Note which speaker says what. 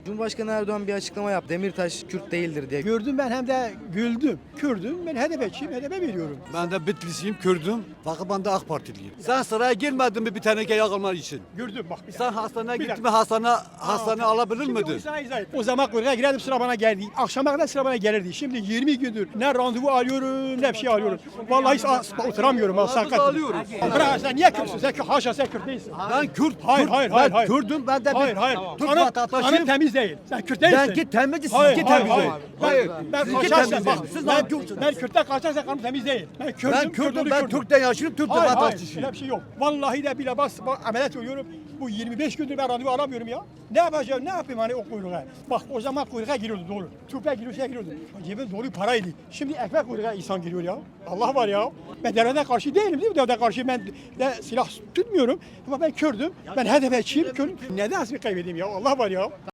Speaker 1: Cumhurbaşkanı Erdoğan bir açıklama yaptı. Demirtaş Kürt değildir diye.
Speaker 2: Gördüm ben hem de güldüm. Kürdüm. Ben HDP'çiyim. HDP veriyorum.
Speaker 3: Ben de Bitlisiyim, Kürdüm. Fakat ben de AK Partiliyim. Sen sıraya girmedin mi bir teneke yakılman için?
Speaker 2: Gördüm bak. Bir
Speaker 3: Sen
Speaker 2: dakika.
Speaker 3: hastaneye
Speaker 2: Bir
Speaker 3: gittin mi
Speaker 2: dakika.
Speaker 3: hastane alabilir
Speaker 2: Şimdi
Speaker 3: miydin?
Speaker 2: o sana izah et. O zaman kuyruğa girerdim sıra bana geldi. Akşama kadar sıra bana gelirdi. Şimdi 20 gündür ne randevu alıyorum ne bir şey alıyorum. Vallahi hiç oturamıyorum. Ha, sakat.
Speaker 3: alıyoruz.
Speaker 2: Bırak sen niye Kürtsün? Sen haşa sen Kürt değilsin.
Speaker 3: Ben Kürt,
Speaker 2: Hayır,
Speaker 3: Kürt,
Speaker 2: hayır,
Speaker 3: ben
Speaker 2: hayır, hayır.
Speaker 3: Kürdüm, ben de
Speaker 2: Hayır hayır.
Speaker 3: Türk
Speaker 2: Kanın
Speaker 3: vatandaşıyım.
Speaker 2: temiz değil. Sen Kürt değilsin.
Speaker 3: Ben ki temizdi,
Speaker 2: Hayır,
Speaker 3: sizinki
Speaker 2: hayır,
Speaker 3: temiz
Speaker 2: hayır.
Speaker 3: değil.
Speaker 2: Hayır. Ben
Speaker 3: Sizinki
Speaker 2: kaçarsam
Speaker 3: temiz
Speaker 2: bak.
Speaker 3: değil. Siz
Speaker 2: Ben Kürt'ten kaçarsam kanım temiz değil. Ben Kürt'üm.
Speaker 3: Ben Kürdüm, ben Türk'ten yaşıyorum, Türk
Speaker 2: Hayır hayır.
Speaker 3: vatandaşıyım.
Speaker 2: Öyle bir şey yok. Vallahi de bile bak ameliyat oluyorum. Bu 25 gündür ben randevu alamıyorum ya. Ne yapacağım? Ne yapayım hani o kuyruğa? Bak o zaman kuyruğa giriyordu doğru. Tüpe giriyordu. Cebim dolu paraydı. Şimdi ekmek kuyruğa insan giriyor ya. Allah var ya. Ben devlete karşı değilim değil mi? Devlete karşı ben de silah tutmuyorum. Ama ben Kürdüm. Ben HDP'çiyim. Neden asıl kaybedeyim ya? Allah var ya.